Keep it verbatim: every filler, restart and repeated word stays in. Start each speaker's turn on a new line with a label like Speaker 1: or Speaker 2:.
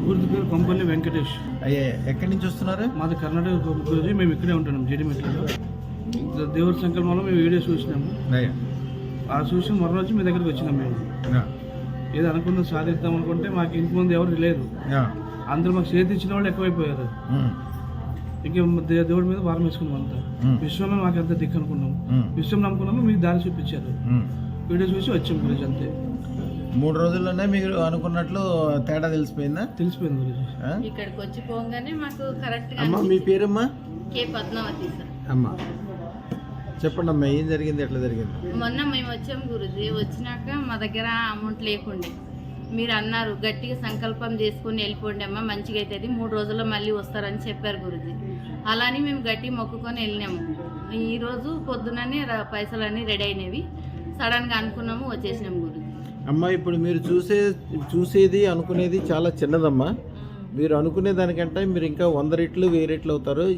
Speaker 1: పూర్తి పేరు కొంపల్లి వెంకటేష్.
Speaker 2: అయ్యే ఎక్కడి నుంచి వస్తున్నారు?
Speaker 1: మాది కర్ణాటక గురించి. మేము ఇక్కడే ఉంటున్నాం జీడిమెట్లలో. దేవుడి సంకల్పంలో మేము వీడియో చూసినాము.
Speaker 2: అయ్యా
Speaker 1: ఆ చూసి మరోజు మీ దగ్గరికి వచ్చినాం. మేము ఏదో అనుకున్న సాధిద్దాం అనుకుంటే మాకు ఇంటి ముందు ఎవరు లేరు. అందరూ మాకు చేతి ఇచ్చిన వాళ్ళు ఎక్కువైపోయారు. ఇంక దేవుడి మీద భారం వేసుకున్నాం. అంతా విశ్వమే మాకు ఎంత దిక్కు అనుకున్నాం. విశ్వం నమ్ముకున్నాము, మీకు దారి చూపించారు. వీడియో చూసి వచ్చాం గురించి. అంతే.
Speaker 2: మూడు రోజుల్లోనే మీరు అనుకున్నట్లు తేడా తెలిసిపోయిందా?
Speaker 1: తెలిసిపోయింది గురించి.
Speaker 3: ఇక్కడికి వచ్చి పోగానే మాకు కరెక్ట్.
Speaker 2: అమ్మా మీ పేరమ్మా?
Speaker 3: K Padmavathi sir.
Speaker 2: అమ్మా చెప్పండి అమ్మా, ఏం జరిగింది, ఎట్లా జరిగింది?
Speaker 3: మొన్న మేము వచ్చాము గురుజీ. వచ్చినాక మా దగ్గర అమౌంట్ లేకుండే. మీరు అన్నారు గట్టిగా సంకల్పం చేసుకుని వెళ్ళిపోండి అమ్మ, మంచిగా అవుతుంది, మూడు రోజుల్లో మళ్ళీ వస్తారని చెప్పారు గురుజీ. అలానే మేము గట్టి మొక్కుకొని వెళ్ళినాము. ఈరోజు పొద్దుననే పైసలన్నీ రెడీ అయినవి. సడన్గా అనుకున్నాము, వచ్చేసినాము గురుజీ.
Speaker 2: అమ్మా ఇప్పుడు మీరు చూసే చూసేది అనుకునేది చాలా చిన్నదమ్మా. మీరు అనుకునే దానికంటే మీరు ఇంకా వంద రెట్లు వెయ్యి రెట్లు అవుతారు.